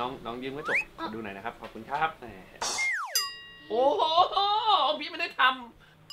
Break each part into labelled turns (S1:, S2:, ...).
S1: น้องยืมกระจกดูหน่อยนะครับขอบคุณครับโอ้โหพี่ไม่ได้ทำ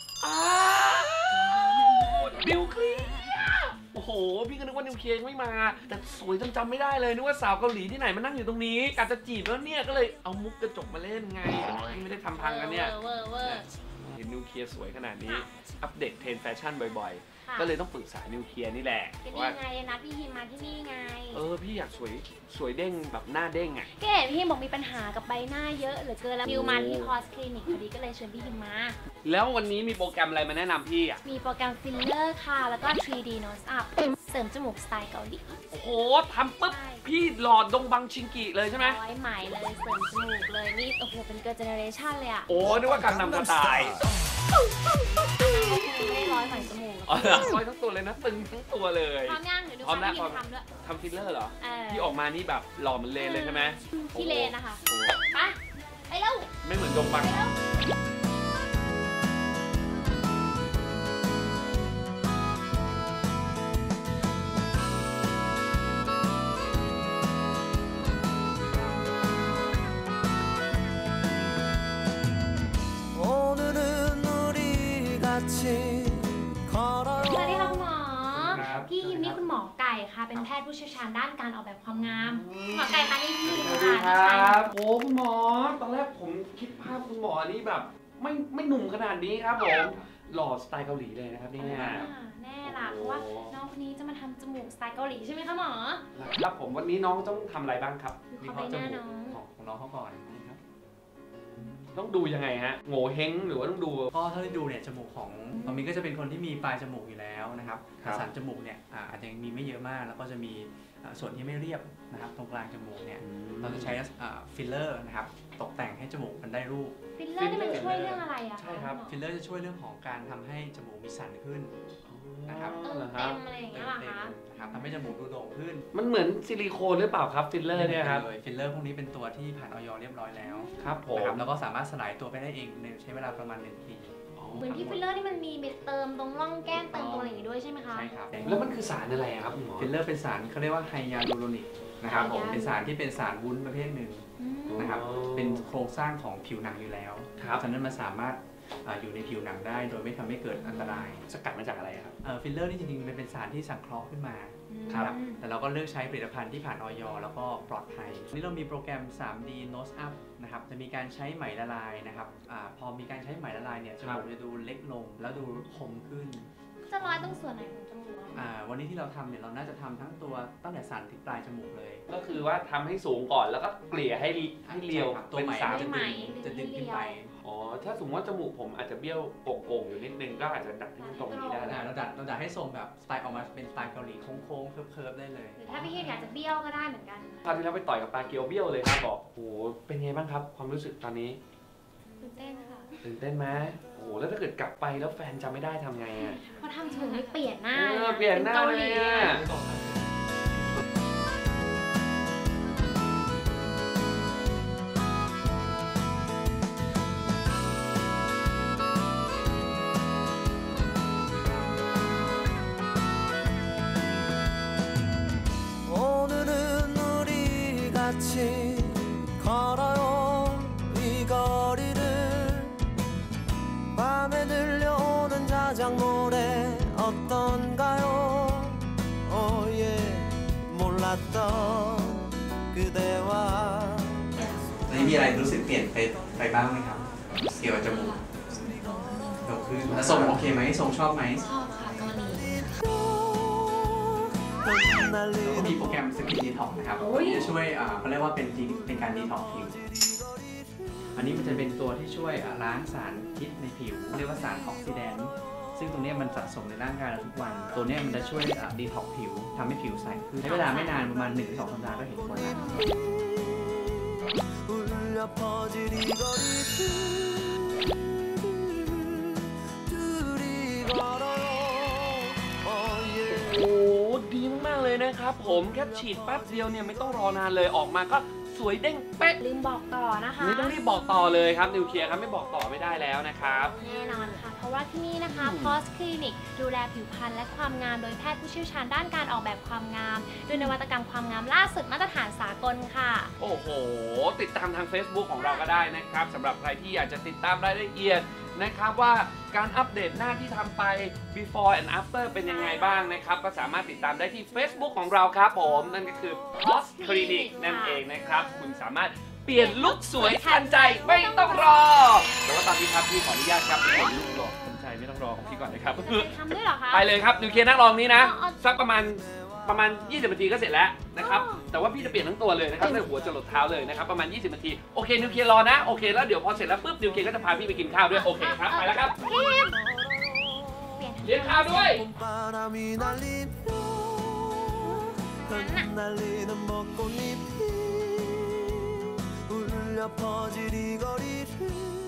S1: นิวเคลียร์โอ้โหพี่ก็นึกว่านิวเคลียร์ไม่มาแต่สวยจำไม่ได้เลยนึกว่าสาวเกาหลีที่ไหนมานั่งอยู่ตรงนี้กะจะจีบแล้วเนี่ยก็เลยเอามุกกระจกมาเล่นไงพี่ไม่ได้ทำพังกันเนี่ยเห็นนิวเคลียร์สวยขนาดนี้อัปเดตเทรนด์แฟชั่นบ่อยๆก็เลยต้องปรึกษานิวเคลียร์นี่แหละ
S2: ว่าไงนะพี่ฮิมมาที่นี่ไง
S1: พี่อยากสวยเด้งแบบหน้าเด้ง
S2: ก็เห็นพี่ฮิมบอกมีปัญหากับใบหน้าเยอะเหลือเกินแล้วนิวมาที่คอสคลินิกพอดีก็เลยชวนพี่ฮิมมา
S1: แล้ววันนี้มีโปรแกรมอะไรมาแนะนำพี่อ่ะ
S2: มีโปรแกรมฟิลเลอร์ค่ะแล้วก็ 3D nose up เสริมจมูกสไตล์เกาหลี
S1: โอ้โหทำปุ๊บพี่หลอดดงบังชิงกิเลยใช่ไหม
S2: ร้อยไหมเลยเสริมจมูกเลยนี่โอ้โหเป็นเกิร์ลเจเนอเรชั่นเลยอ่ะ
S1: นึกว่าการนำสไตล์
S2: ไม่ได้ร้อยไหมจมูก
S1: ร้อยทั้งตัวเลยนะตึงทั้งตัวเลย
S2: พร้อมยังเดี๋ยวดูความที่ทำด้วย
S1: ทำฟิลเลอร์เหรอที่ออกมานี่แบบหล่อเหมือนเลนเลยใช่ไหม
S2: ที่เลนนะคะไปเร็ว
S1: ไม่เหมือนดงบัง
S2: สวัสดีค่ะคุณหมอพี่ฮิมนี่คุณหมอไก่ค่ะเป็นแพทย์ผู้เชี่ยวชาญด้านการออกแบบความงามหมอไก่คะนี่พี่ฮิม
S1: ครับโอ้คุณหมอตอนแรกผมคิดภาพคุณหมอนี่แบบไม่หนุ่มขนาดนี้ครับผมหล่อสไตล์เกาหลีเลยนะครับนี่
S2: แน่ล่ะเพราะว่าน้องคนนี้จะมาทำจมูกสไตล์เกาหลีใช่ไหมคะหมอ
S1: ครับผมวันนี้น้องต้องทำอะไรบ้างครับ
S2: มีข้อจมูก
S3: ของน้องเขาก่อนนะครับ
S1: ต้องดูยังไงฮะโง่เฮงหรือว่าต้องดู
S3: ก็ถ้าได้ดูเนี่ยจมูกของน้องมิ้นก็จะเป็นคนที่มีปลายจมูกอยู่แล้วนะครับสันจมูกเนี่ยอาจจะมีไม่เยอะมากแล้วก็จะมีส่วนที่ไม่เรียบนะครับตรงกลางจมูกเนี่ยเราจะใช้ฟิลเลอร์นะครับตกแต่งให้จมูกมันได้รูป
S2: ฟิลเลอร์นี่มันช่วยเรื่องอะไรอะ
S3: ใช่ครับฟิลเลอร์จะช่วยเรื่องของการทำให้จมูกมีสันขึ้นนะครับ
S2: เต็มอะไรอย่างเงี้ยหรอคะ
S3: ครับทำให้จมูกดูโด่งขึ้น
S1: มันเหมือนซิลิโคนหรือเปล่าครับฟิลเลอร์เนี่ยครับ
S3: ฟิลเลอร์พวกนี้เป็นตัวที่ผ่านออยเรียบร้อยแล้ว
S1: ครับผม
S3: แล้วก็สามารถสลายตัวไปได้เองใช้เวลาประมาณ1 ปี
S2: เหมือนที่ฟิลเลอร์ที่มันมีเติมตรงร่องแก้มเติมตรงอะไรอย่างงี้ด้วยใช่ไหมคะ
S3: ใช่ครับ
S1: แล้วมันคือสารอะไรครับหมอ
S3: ฟิลเลอร์เป็นสารเขาเรียกว่าไฮยาลูโรนิกนะครับผมเป็นสารที่เป็นสารวุ้นประเภทหนึ่งนะครับเป็นโครงสร้างของผิวหนังอยู่แล้วฉะนั้นมันสามารถอยู่ในผิวหนังได้โดยไม่ทำให้เกิดอันตราย
S1: สกัดมาจากอะไรครับ
S3: ฟิลเลอร์นี่จริงๆเป็นสารที่สังเคราะห์ขึ้นมาครับแต่เราก็เลือกใช้ผลิตภัณฑ์ที่ผ่านออยแล้วก็ปลอดภัยนี่เรามีโปรแกรม 3D Nose Up นะครับจะมีการใช้ไหมละลายนะครับพอมีการใช้ไหมละลายเนี่ยจมูกจะดูเล็กลงแล้วดูคมขึ้น
S2: จะร้อยตรงส่วนไหนของจมูก
S3: วันนี้ที่เราทำเนี่ยเราน่าจะทำทั้งตัวตั้งแต่สันถึงปลายจมูกเลย
S1: ก็คือว่าทำให้สูงก่อนแล้วก็เกลี่ยให้เรียว
S3: ตัวไหมจะดึงขึ้นไป
S1: ถ้าสมมติว่าจมูกผมอาจจะเบี้ยวโก่งๆอยู่นิดนึงก็อาจจะดัดให้มันตรงนี้ได้
S3: เราดัดให้ทรงแบบสไตล์ออกมาเป็นสไตล์เกาหลีโค้งๆเคิร์ฟได้เลย
S2: หรือถ้าพี่เฮียอยากจะเบี้ยวก็ได้เหมือนกัน
S1: คราวที่แล้วไปต่อยกับปลาเกียวเบี้ยวเลยครับบอกโอ้เป็นไงบ้างครับความรู้สึกตอนนี้
S2: ตื่นเต้นค่ะ
S1: ตื่นเต้นไหมแล้วถ้าเกิดกลับไปแล้วแฟนจำไม่ได้ทำไงอ่ะ
S2: พอทำจมูกไม่เปลี่ยนหน้า
S1: เปลี่ยนหน้าเลยอ่ะ
S3: มีอะไรรู้สึกเปลี่ยนไปบ้างไหมครับเกี่ยวกับจมูกโตขึ้นแล้วทรงโอเคไหมทรงชอบไหม
S2: ชอบค่ะเกาหลี
S3: แล้วก็มีโปรแกรมสกินดีท็อกนะครับที่จะช่วยเขาเรียกว่าเป็นการดีท็อกผิวอันนี้มันจะเป็นตัวที่ช่วยล้างสารพิษในผิวเรียกว่าสารออกซิแดนต์ซึ่งตรงนี้มันสะสมในร่างกายเราทุกวันตัวนี้มันจะช่วยดีท็อกผิวทำให้ผิวใสขึ้นใช้เวลาไม่นานประมาณ 1-2 สัปดาห์ก็เห็นผลแล้ว
S1: ดีมากๆเลยนะครับผมแค่ฉีดแป๊บเดียวเนี่ยไม่ต้องรอนานเลยออกมาก็สวยเด้งเป๊ะ
S2: ลืมบอกต่อนะคะ
S1: นี่ต้องรีบบอกต่อเลยครับนิวเคลียร์ครับไม่บอกต่อไม่ได้แล้วนะครับ
S2: แน่นอนค่ะ เพราะว่าที่นี่นะคะ
S1: อืม
S2: POS Clinic ดูแลผิวพรรณและความงามโดยแพทย์ผู้เชี่ยวชาญด้านการออกแบบความงามด้วยนวัตกรรมความงามล่าสุดมาตรฐานสากลค่ะ
S1: โอ้โห ติดตามทาง Facebook ของเราก็ได้นะครับสำหรับใครที่อยากจะติดตามรายละเอียดนะครับว่าการอัปเดตหน้าที่ทำไป before and after เป็นยังไงบ้างนะครับก็สามารถติดตามได้ที่ Facebook ของเราครับผมนั่นก็คือ POS Clinic นั่นเองนะครับคุณสามารถเปลี่ยนลุคสวยทันใจไม่ต้องรอแต่ว่าตอนนี้ครับพี่ขออนุญาตครับเปลี่ยนลุคหล่อทันใจไม่ต้องรอของพี่ก่อนนะครับ
S2: จะไปทำด้วยเหรอคะ
S1: ไปเลยครับนิวเคลียร์นั่งรองนี้นะ
S2: อ๋อ
S1: สักประมาณ 20 นาทีก็เสร็จแล้วนะครับ
S2: อ๋อ
S1: แต่ว่าพี่จะเปลี่ยนทั้งตัวเลยนะครับตั้งแต่หัวจรดเท้าเลยนะครับประมาณ 20 นาทีโอเคนิวเคลียร์รอนะโอเคแล้วเดี๋ยวพอเสร็จแล้วปุ๊บนิวเคลียร์ก็จะพาพี่ไปกินข้าวด้วยโอเคครับไปแล้วครับ
S2: เปลี่ยน
S1: เลี้ยงข้าวด้วย
S4: 바람이 날리며 흩날리는 벚꽃잎이 울려 퍼질 이 거리를